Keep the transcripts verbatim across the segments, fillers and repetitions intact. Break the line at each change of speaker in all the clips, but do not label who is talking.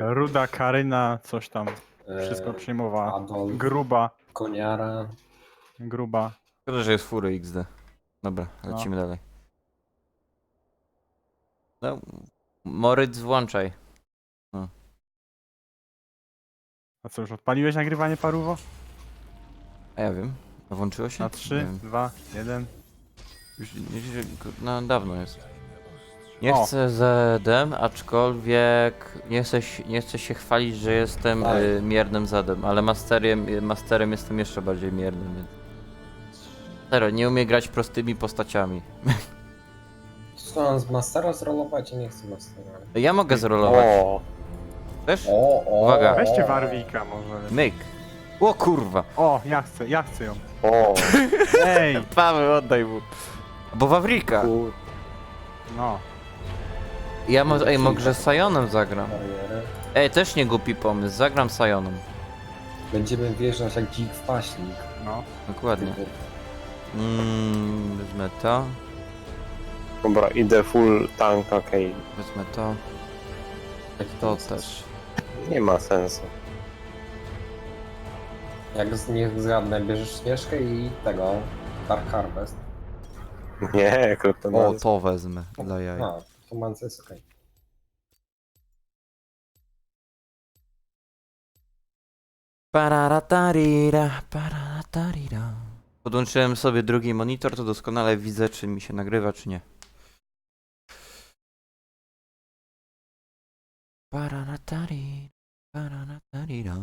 Ruda, Karyna, coś tam. Wszystko
e,
przyjmowała.
Adolf,
Gruba,
Koniara.
gruba.
Szkoda, że jest fury X D. Dobra,
No.
lecimy dalej. No, Moryc, włączaj.
A co, już odpaliłeś nagrywanie paruwo?
A ja wiem. A włączyło się?
Na
Nie
trzy,
wiem.
dwa, jeden.
Już, już, już no, dawno jest. Nie
O.
chcę Zedem, aczkolwiek nie chcę, się- nie chcę się chwalić, że jestem
Tak.
y, miernym Zedem, ale masterem, masterem jestem jeszcze bardziej miernym, więc... Serio, nie umiem grać prostymi postaciami.
Co mam z Mastera zrolować? Ja nie chcę Mastera.
Ja mogę zrolować.
O,
Też?
O, o,
Uwaga.
Weźcie
o.
Warwika może.
Myk. O kurwa.
O, ja chcę, ja chcę ją.
o,
Ej,
Paweł, oddaj mu. Bo Wawrika.
kur...
no.
Ja może, ej, może Sionem zagram.
Bariery.
Ej, też nie głupi pomysł, zagram Sionem.
Będziemy wjeżdżać jak dzik w paśnik.
No.
Dokładnie. Mmm, wezmę to,
Dobra, idę full tank, okej.
wezmę to,
Taki
to
pomysł.
też.
Nie ma sensu.
Jak z niech zgadnę, bierzesz śnieżkę i tego Dark Harvest.
Nie,
O,
kryptoman.
to wezmę, dla jaj.
A, to manca jest okej.
Pararatarira, pararatarira. Podłączyłem sobie drugi monitor, to doskonale widzę, czy mi się nagrywa, czy nie. Pararatarira, pararatarira.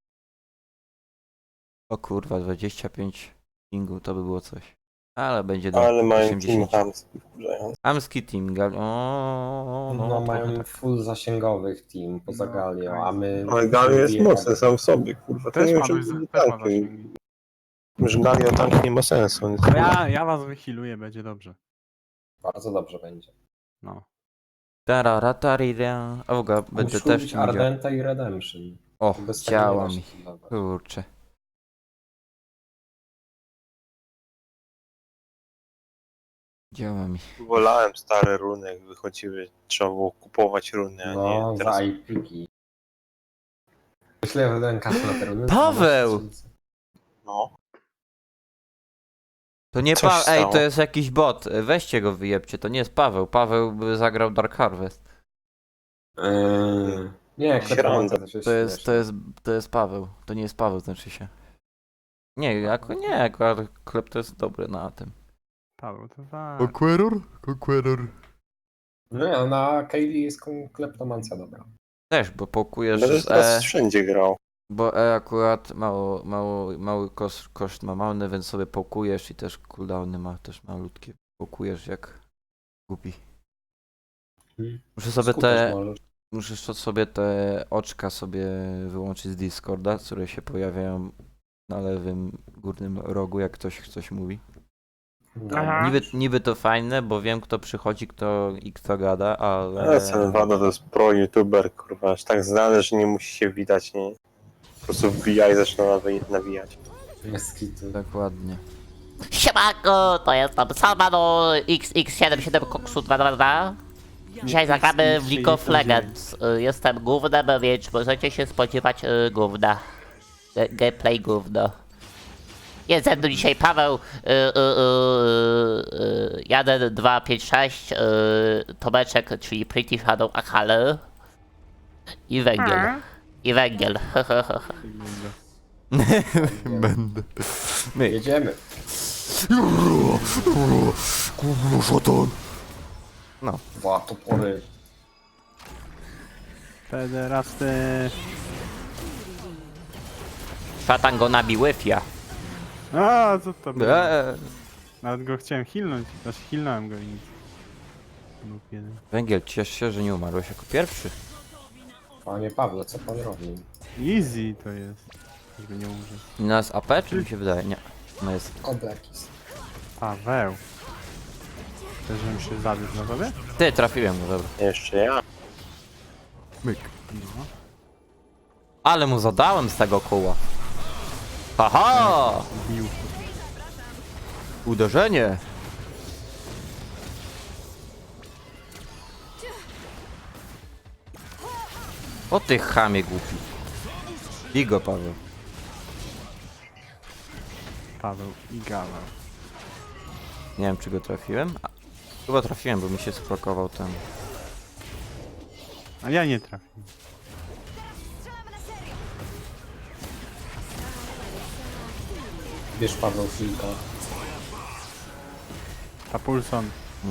O kurwa, dwadzieścia pięć pingu, to by było coś. Ale będzie do
Ale mają team
osiemdziesiąt.
chamski wkurzający.
Amski team, gal... o,
No,
no,
mają
trochę tak.
full zasięgowych team poza
No,
Galią,
okej.
a my...
Ale Galio jest
wybijemy.
mocny sam w sobie, kurwa. To
Też
nie
ma,
wiem,
dość,
czy
też ma
tanki.
zasięgi.
Że Galio tank nie ma sensu. Więc...
Ja, ja was wychiluję, będzie dobrze.
Bardzo dobrze będzie.
No.
Tararatarira. A w ogóle będę
Musisz
też
lubić
tym działał.
Ardenta i Redemption.
O,
Bez tego nie
działa
da
mi.
się healować.
Kurczę. Działa mi.
Wolałem stare runy, jak wychodziły. Trzeba było kupować runy, a
No,
nie teraz.
za ipiki. Myślę, że ten kasę na te runy.
Paweł!
dwanaście tysięcy.
No.
To nie
Coś
Paweł, ej,
stało.
to jest jakiś bot. Weźcie go, wyjebcie, to nie jest Paweł. Paweł by zagrał Dark Harvest.
Yy, nie, kleptomancja też jest
To jest, to
śmieszna.
jest, to jest Paweł. To nie jest Paweł, znaczy się. Nie, jako, nie, akurat klep to jest dobry na tym.
Paweł, to tak.
Conqueror? Conqueror.
Nie, na Kaylee jest kon- kleptomancja dobra.
Też, bo pokujesz
Będę
z
teraz
E,
wszędzie grał.
bo E akurat mało, mało, mały koszt, koszt ma malny, więc sobie pokujesz i też cooldowny ma też malutkie. Pokujesz jak głupi.
Hmm.
Muszę sobie
Skupisz
te,
możesz.
muszę to sobie te oczka sobie wyłączyć z Discorda, które się pojawiają na lewym górnym rogu, jak ktoś coś mówi.
No.
Aha.
Niby, niby to fajne, bo wiem kto przychodzi kto i kto gada, ale...
Ale Senwada to jest pro youtuber, kurwa. Aż tak znany, że nie musi się widać, nie? Po prostu wbija i zaczyna nawi- nawijać.
Jest kitu.
Dokładnie.
Siemanko, to jest tam Salmano X X siedem siedem Koksu dwa dwa dwa. Dzisiaj zagramy w League of Legends. Y, Jestem gównem, więc możecie się spodziewać y, gówna. Ge- Gameplay gówno. Jest ze mną dzisiaj Paweł, y, y, y, y, jeden, dwa, pięć, sześć, y, Tomeczek, czyli Pretty Shadow Akale i Węgiel. I Węgiel.
Będę. My.
Jedziemy.
No.
Dwa topory.
Pederasty.
Szatan go nabił Wi-Fi.
A, co to było?
Eee.
Nawet go chciałem hilnąć. Znaczy hilnąłem go i nic. Był jeden.
Węgiel, ciesz się, że nie umarłeś jako pierwszy.
Panie Pawle, co pan robi?
Easy to jest. Żeby nie umrzeć.
I na jest A P, czy mi się wydaje? Nie. No jest.
O, Blackis.
Paweł. Chcesz, żebym się zawiódł na tobie?
Ty, trafiłem, no dobra.
Jeszcze ja.
Myk.
No.
Ale mu zadałem z tego koła. Haha!
Bił.
Uderzenie. O ty chamie głupi. Bigo, Paweł.
Paweł i Gaweł.
Nie wiem, czy go trafiłem. A, chyba trafiłem, bo mi się sprokował ten.
A ja nie trafiłem.
Bierz Paweł Filka.
Tapulson.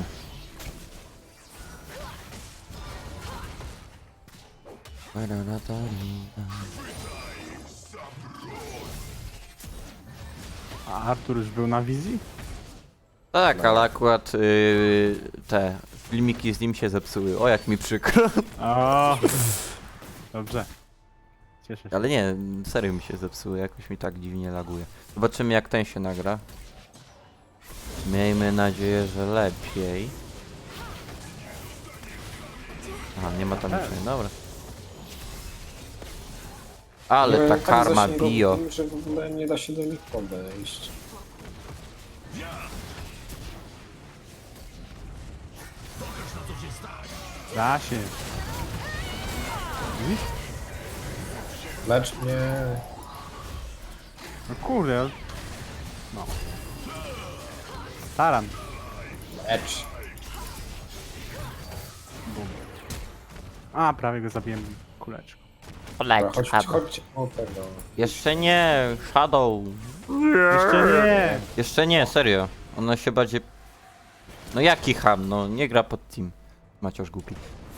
A Artur już był na wizji?
Tak, ale akurat yy, te filmiki z nim się zepsuły. O, jak mi przykro.
O, dobrze. Cieszę się.
Ale nie, serio mi się zepsuły, jakoś mi tak dziwnie laguje. Zobaczymy, jak ten się nagra. Miejmy nadzieję, że lepiej. Aha, nie ma tam niczego, dobra. Ale ta
Tak
karma
zasięgowo,
bio.
że w ogóle nie da się do nich podejść.
Da się. Widzisz?
Lecz mnie.
No kurde. ale- No. Staram.
Edge.
Bum. A, prawie go zabiłem kuleczką.
Dobra,
Poleć,
chodź,
a
chodź o tego.
Jeszcze nie, Shadow.
Jeszcze nie!
Jeszcze nie, serio. Ona się bardziej... No jaki ham, no nie gra pod team. Maciusz głupi.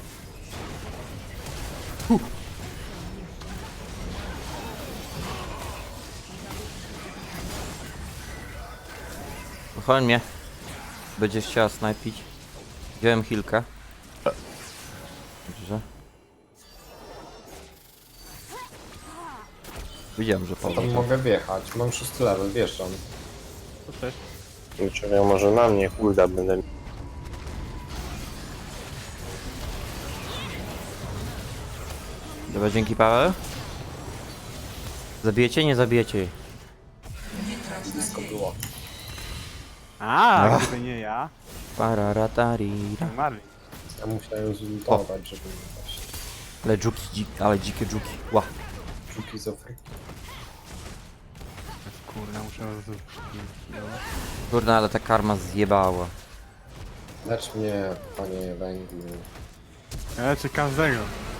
Chodź mnie. Będziesz chciała snajpić. Wziąłem hilkę. Dobrze. Widziałem, że
Ja tam
Paweł.
mogę wjechać. Mam szósty level, wjeżdżam.
To też.
Czekaj, może na mnie hulda będę.
Dobra, dzięki Paweł. Zabijecie? Nie zabijecie jej.
Blisko było.
A,
Ach.
gdyby nie ja,
Pararatarira.
to Marley.
Ja musiałem zultować, żeby nie paść.
Ale dżuki, dzik, ale dzikie dżuki. Ła.
Czuki z Afryki.
Kurde, muszę roz...
Kurde, ale ta karma zjebała.
Lecz mnie, panie węglu.
Ja leczę każdego.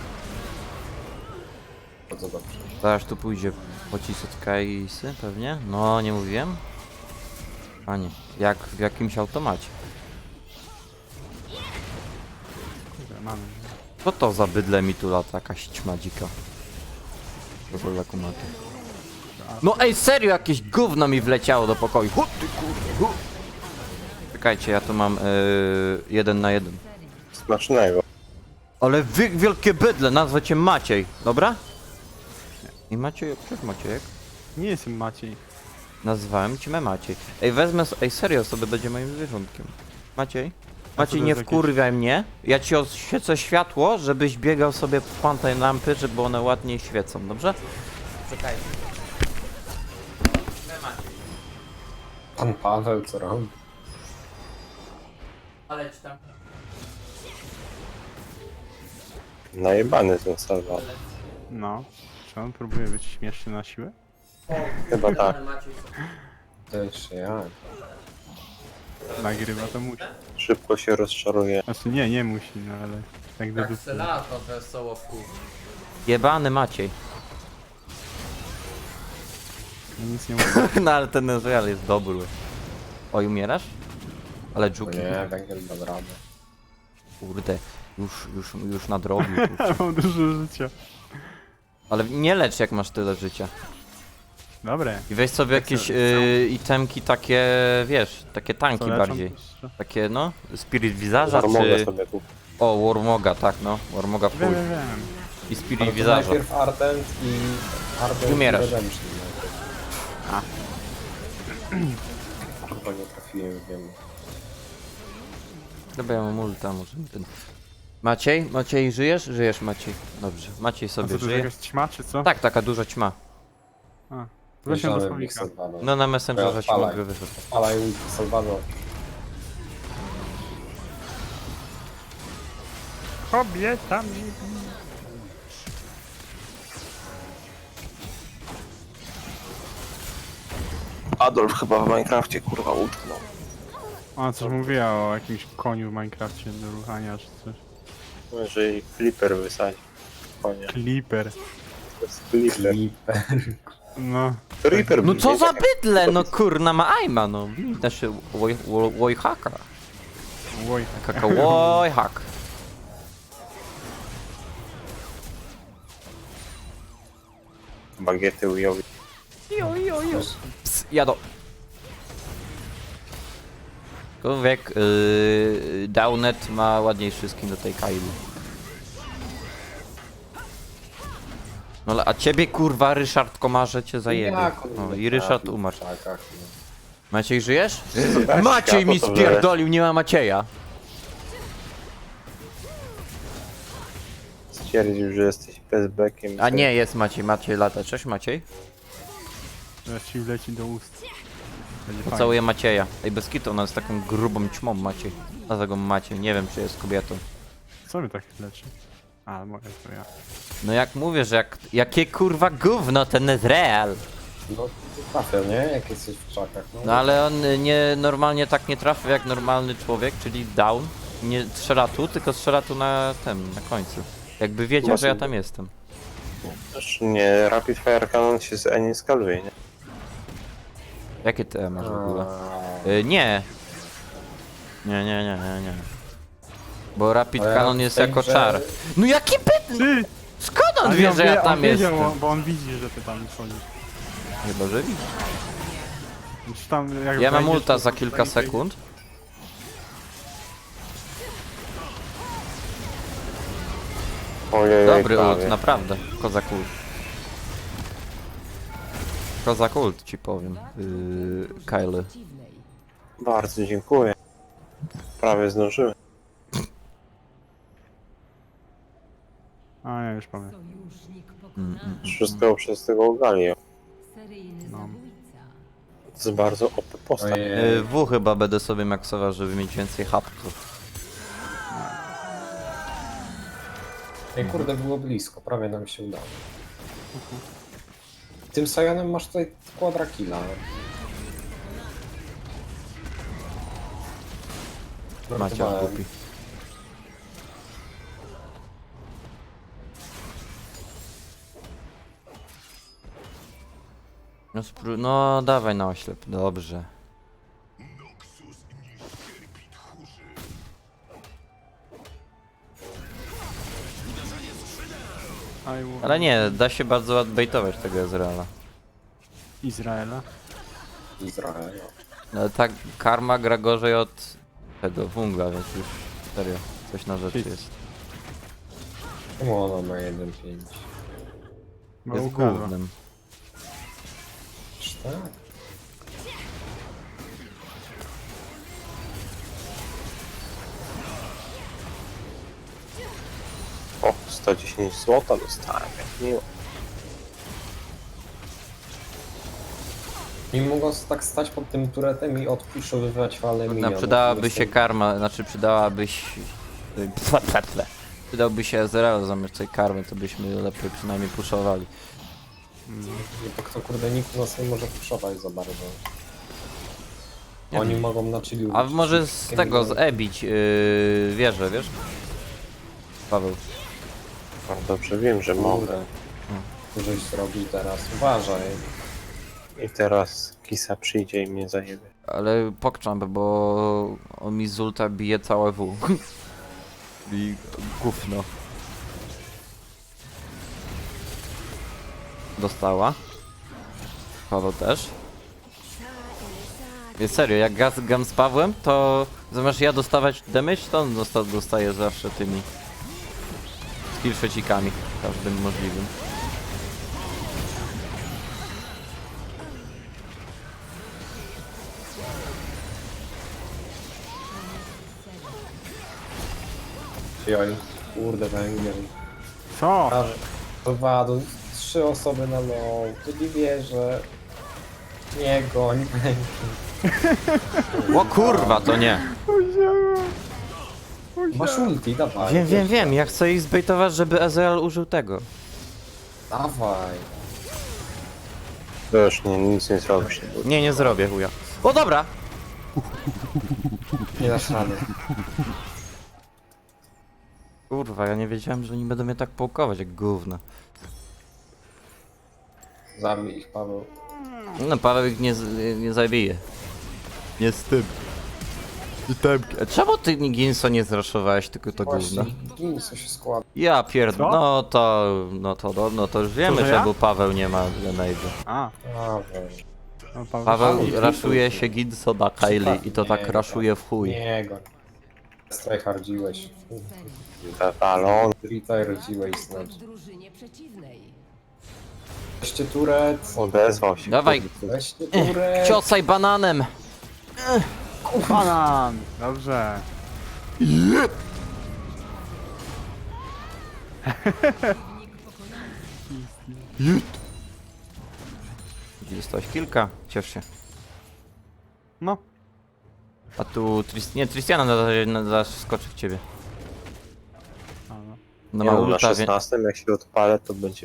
Bardzo dobrze.
Zaraz tu pójdzie pocisek od Kaisy pewnie? No, nie mówiłem. Panie, jak w jakimś automacie.
Kurde, mamy.
Co to za bydle mi tu lata, jakaś ćma dzika. To są za kumaty. No ej, serio, jakieś gówno mi wleciało do pokoju. Hu, ty kurde, hu. Czekajcie, ja tu mam yy, jeden na jeden.
Smacznego.
Ale wy wielkie bydle, nazwę cię Maciej, dobra? I Maciej, przecież Maciejek.
Nie jestem Maciej.
Nazwałem cię Maciej. Ej, wezmę, s- ej, serio, sobie będzie moim zwierzątkiem. Maciej? Maciej,
to
nie
jest jakieś-
wkurwiaj mnie. Ja ci oświecę światło, żebyś biegał sobie po pantej lampy, żeby one ładniej świecą, dobrze? Czekaj.
Pan Paweł, co robi?
Ale ci tam.
Najebany ten salwa.
No. Czy on próbuje być śmieszny na siłę?
Chyba tak.
Też ja.
Nagrywa to musi.
Szybko się rozczaruje.
Znaczy nie, nie musi, no ale tak do dupy.
lato wesoło w kół. Jebany Maciej.
No nic nie mówię.
No ale ten Ezreal jest dobry. Oj, umierasz? Ale
O
dżuki.
nie, węgiel dam radę.
Kurde, już, już, już nadrobił. kurczę.
Mam dużo życia.
Ale nie lecz jak masz tyle życia.
Dobre.
I weź sobie
Tak
jakieś
sobie
y, itemki takie, wiesz, takie tanki
Co leczą?
bardziej. Takie no, Spirit Wizarza
Zarmogę
czy...
sobie tu.
O, Warmoga, tak no, Warmoga
Wiem,
full.
wiem, wiem.
I Spirit
Ale to
Wizarza.
najpierw Ardent i Ardent
Umierasz.
i Redemption najpierw. Chyba nie trafiłem, wiem.
Dobra, ja mam ulta, może nie ten... Maciej? Maciej, żyjesz? Żyjesz, Maciej. Dobrze, Maciej
A co
sobie
to jest
żyje.
jakaś ćma, czy co?
Tak, taka duża ćma.
A. Wróciłem do
Leżałem
słowika.
blisko Salvador.
No na Messengerze ci
Odpalaj.
mogę wyszedł.
Odpalaj ulti Salvador.
Kobieta mi...
Adolf chyba w Minecrafcie kurwa utknął.
Ona coś mówiła o jakimś koniu w Minecrafcie do ruchania czy coś.
Może i Flipper wysadzi. Konie.
Clipper.
To jest Flipper.
Flipper.
No.
Flipper
No co
nie
za
tak jak-
bydle, no kurna ma aima, no. Znaczy, wojhaka.
Oj.
Kaka wojhak.
Bagiety ujowi.
Ps, jadą. Człowiek, yy, Downet ma ładniejszy skin do tej Kaili. No ale- a ciebie kurwa Ryszard Komarze cię zajebie.
Jak on
O,
mnie
i Ryszard
trafił w
umarł.
krzakach, no.
Maciej, żyjesz?
Tak,
Maciej mi
światło to
spierdolił, nie ma Macieja.
Stwierdził, że jesteś bezbekiem.
A nie, jest Maciej, Maciej lata. Cześć Maciej.
Teraz ci wleci do ust. Będzie fajnie.
Pocałuję Macieja. Ej, bez kitu, ona jest taką grubą ćmą Maciej. Dlatego Maciej, nie wiem czy jest kobietą.
Co mnie tak leczy? A, moje to ja.
No jak mówię, że jak, jakie kurwa gówno ten Ezreal.
No, trafia, nie? Jak jesteś w krzakach, no.
No ale on y, nie, normalnie tak nie trafia jak normalny człowiek, czyli down. Nie strzela tu, tylko strzela tu na tym, na końcu. Jakby wiedział, że ja tam jestem.
Znaczy nie, Rapid Fire Cannon się z Eni skaluje, nie?
Jakie te masz w ogóle?
A,
Y, nie. Nie, nie, nie, nie, nie. Bo Rapid
Ale
Cannon
w
jest
tej
jako
grze-
czar. No jaki pyt...
Ty!
Skąd on
Ale
wie,
on
że ja
on
tam
wiedział,
jestem?
bo on widzi, że ty tam wchodzisz.
Chyba, że widzi.
Czy tam, jak
Ja mam
wejdziesz,
ulta
to
za
tam
kilka
tak
sekund.
Ojej,
Dobry
prawie.
ult, naprawdę. Kozak ult. Kozak ult ci powiem. Yy, Kyle.
Bardzo dziękuję. Prawie zdążyłem.
A, ja już pamiętam.
Mm, mm.
Wszystko przez tego Galio.
No.
To jest bardzo O P postać.
Ojej.
Yy, W chyba będę sobie maksował, żeby mieć więcej hapków.
Ej, kurde, było blisko, prawie nam się udało. Tym Sajonem masz tutaj quadra killa.
Macie
Żartowałem.
głupi. No, spró- no dawaj na oślep, dobrze.
I will-
Ale nie, da się bardzo odbejtować tego Ezreala.
Izraela.
Izrael.
No, ta karma gra gorzej od tego wungla, więc już serio, coś na rzeczy jest.
Czemu ona ma jeden pięć?
Ma
Jest
ukaza.
głównym.
Czy tak?
O, sto dziesięć złota dostałem, jak miło.
Nie mogą tak stać pod tym turetem i odpuszowywać falę
No,
minionów.
przydałaby
Jestem-
się karma, znaczy przydałabyś... y, pfe, pfe, pfe. Przydałby się Ezreal zamiast tej karmy, to byśmy lepiej przynajmniej puszowali.
Nie, to kto kurde, nikt nas nie może puszować za bardzo.
Nie
Oni
wiem.
mogą na chillu.
A może z tego, z E-bić yy, wieżę, wiesz? Paweł.
No, dobrze wiem, że mogę.
Kurde. Żeś zrobił teraz. Uważaj.
I teraz Kisa przyjdzie i mnie zajebie.
Ale pokczam, bo on mi z ulta bije całe W. I gówno. Dostała. Paweł też. Nie, serio, jak gaz, gam z Pawłem, to zamiast ja dostawać damage, to on dosta, dostaje zawsze tymi skill trzecikami, każdym możliwym.
Joj, kurde, węgiel.
Co?
Prawie. Dwa, do trzy osoby na low. To nie wierzę. Nie goń.
O kurwa, to nie!
Masz ulti, dawaj.
Wiem, wiem, wiem, ja chcę ich zbejtować, żeby Ezreal użył tego.
Dawaj.
To już nie, nic nie zrobisz.
Nie, nie zrobię chuja. O dobra!
Nie dasz rady.
Kurwa, ja nie wiedziałem, że oni będą mnie tak połkować jak gówno.
Zabij ich, Paweł.
No Paweł ich nie, z- nie zabije. Nie z tym. I tem. Czemu ty Ginso nie zraszowałeś, tylko to gówno?
Właśnie, gin co się składa.
Ja pierd...
Co?
No to... No to, no, no to już wiemy,
że
że
ja?
bo Paweł nie ma Grenade.
A,
Paweł.
no Paweł.
Paweł
Paweł,
raszuje się Ginso na Kylie i to tak
Nie,
raszuje w chuj.
Nie go. Strajhardziłeś.
Talon.
Retardziłeś znaczy.
drużynie przeciwnej.
Weźcie turet.
Odezwał się.
Dawaj,
Weźcie turet.
ciosaj bananem!
Banan! Dobrze.
Dostałeś kilka, ciesz się.
No.
A tu Tris... nie, Tristiana nada- nada- zaskoczy w ciebie.
A, no.
No
Nie,
ma
no, na
ulta, wie...
szesnastym jak się odpalę, to będzie...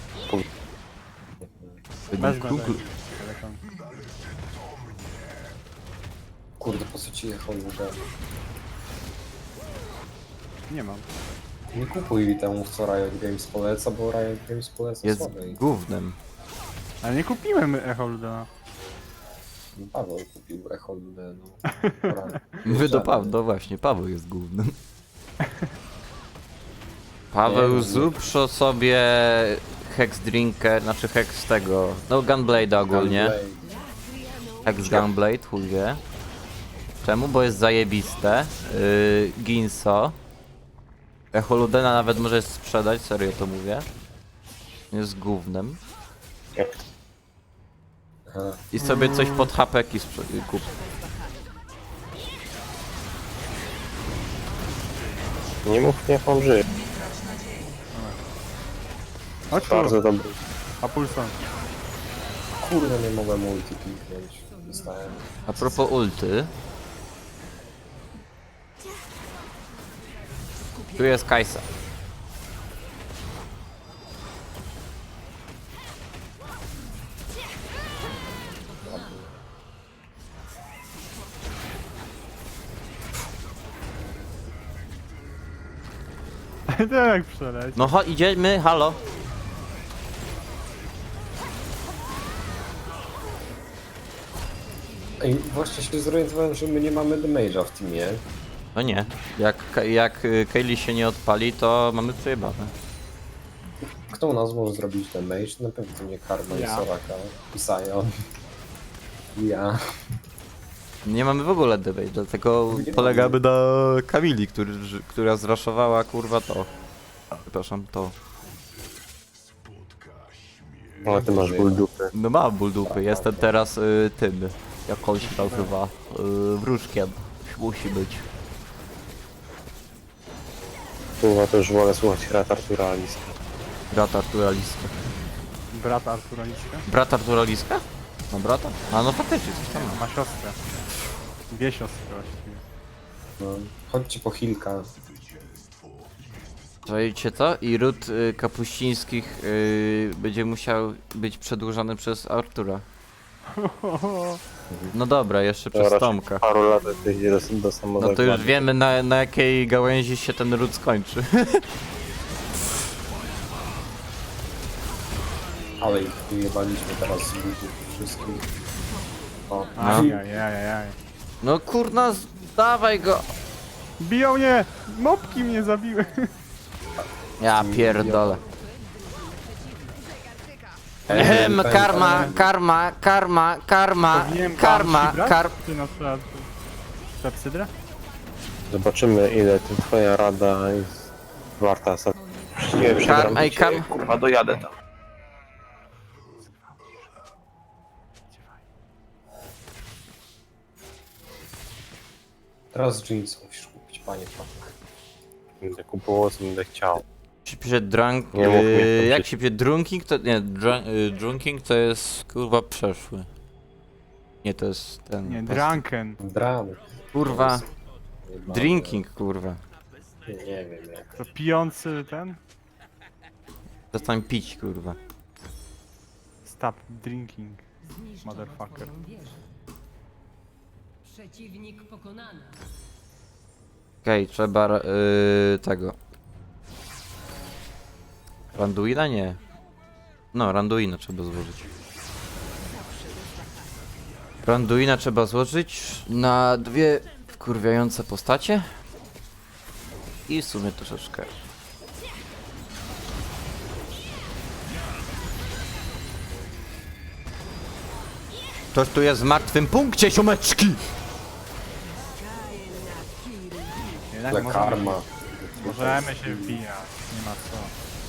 Wezmę
Google.
telefon.
Kurde, po co ci jechał ludę?
Nie mam.
Nie kupuj temu, co Riot Games poleca, bo Riot Games poleca
Jest
słabe.
gównem.
Ale nie kupiłem Echo Ludena.
Paweł kupił Echo Ludę, no. Dobra.
Wy do Paweł, no właśnie, Paweł jest głównym. Paweł,
Nie,
zrób pro sobie Hex Drinker, znaczy Hex tego, no Gunblade ogólnie.
Gunblade.
Hex Gunblade, chuj wie. Czemu? Bo jest zajebiste. Yy, Ginso. Echoludena nawet możesz sprzedać, serio to mówię. Jest gównem.
Jak
Aha.
I sobie coś pod hapeki sprze- kup.
nie mów, niech on żyje.
Chodź tu,
Bardzo dobry.
a pulson.
Kurde, nie mogłem multi kliknąć. Dostałem.
A propos ulty. Tu jest Kajsa.
To jak przeleć.
No cho- idziemy, halo.
Ej, właśnie się zorientowałem, że my nie mamy damage'a w teamie.
No nie. Jak, Ka- jak y, Kaylee się nie odpali, to mamy przejebane.
Kto u nas może zrobić damage? Na pewno to nie Karma
Ja.
i Soraka. I Sion. Ja.
Nie mamy w ogóle debate, dlatego
Nie
polegamy na Kamili, który, która zraszowała kurwa to. Przepraszam, to.
Ale ty masz ból dupy.
No mam ból dupy, jestem teraz y, tym, jak on się nazywa, y, wróżkiem. Musi być.
Kurwa, to już wolę słuchać Rat Artura Alice.
Brat Artura Liska.
Brat Artura Liska.
Brat Artura Liska? No brata? A no faktycznie coś tam ma.
Ma siostrę. Dwie siostry właściwie.
No. Chodźcie po Hilka.
Czajcie co? I ród y, kapuścińskich y, będzie musiał być przedłużony przez Artura. No dobra, jeszcze
To
przez
raczej
Tomka.
paru lat to idzie do, do
No
samego
to już wiemy na, na jakiej gałęzi się ten ród skończy.
Ale ich wyjebaliśmy teraz z ludzi wszystkich. O.
Ajajajajaj.
No kurna, z- dawaj go!
Biją mnie! Mopki mnie zabiły!
Ja pierdolę.
Ej,
Ehem,
ten-
karma, karma, karma, karma,
Powinienem
karma,
Banshee brać?
kar...
Czy na przykład Klepsydrę?
Zobaczymy, ile ty, twoja rada jest warta. Za... Nie, przegram
ej,
cię,
karm-
kurwa, dojadę tam.
Teraz jeans musisz kupić, panie Paweł.
Będę kupował, co będę chciał.
się pisze drunk...
Nie mów mi,
Yy,
to
jak
się-
się pisze drunking to... Nie, dr, yy, drunking to jest kurwa przeszły. Nie, to jest ten...
Nie,
pas-
Drunken.
Dran.
Kurwa, drinking kurwa.
Nie, nie wiem jak.
To pijący ten?
Przestań pić kurwa.
Stop drinking,
Zniszczono
motherfucker.
twoją wieżę. Przeciwnik pokonany.
Okej, trzeba yy, tego. Randuina? Nie. No, Randuina trzeba złożyć. Randuina trzeba złożyć na dwie wkurwiające postacie. I w sumie troszeczkę. Ktoś tu jest w martwym punkcie, siomeczki!
Jednak
Ale
możemy,
karma.
możemy się wbijać, nie ma co.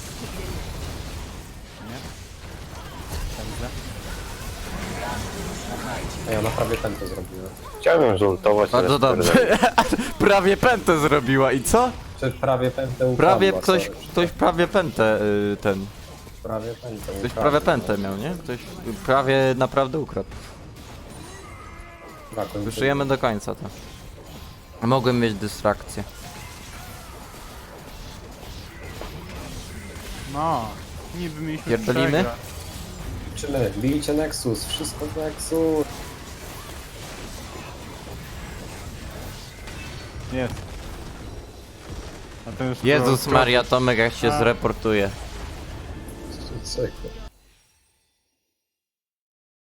Nie? Dobrze.
A ja naprawdę ten to zrobiłem.
Chciałbym zultować,
Bardzo
ale
dobrze. Prawie pętę zrobiła i co?
Czy prawie pętę ukradła,
Prawie ktoś,
sorry.
ktoś prawie pętę y, ten.
Prawie pętę
Ktoś
ukradła.
prawie pętę miał, nie? Ktoś prawie naprawdę ukradł.
Brakuje mi
Wyszujemy do końca to. Mogłem mieć dystrakcję.
No, niby mieliśmy
Pierdolimy?
przegrać.
Czyny, bijcie Nexus, wszystko w Nexus.
Jest. A to już
Jezus
pro-
Maria, Tomek jak się
A.
zreportuje.
Czekaj.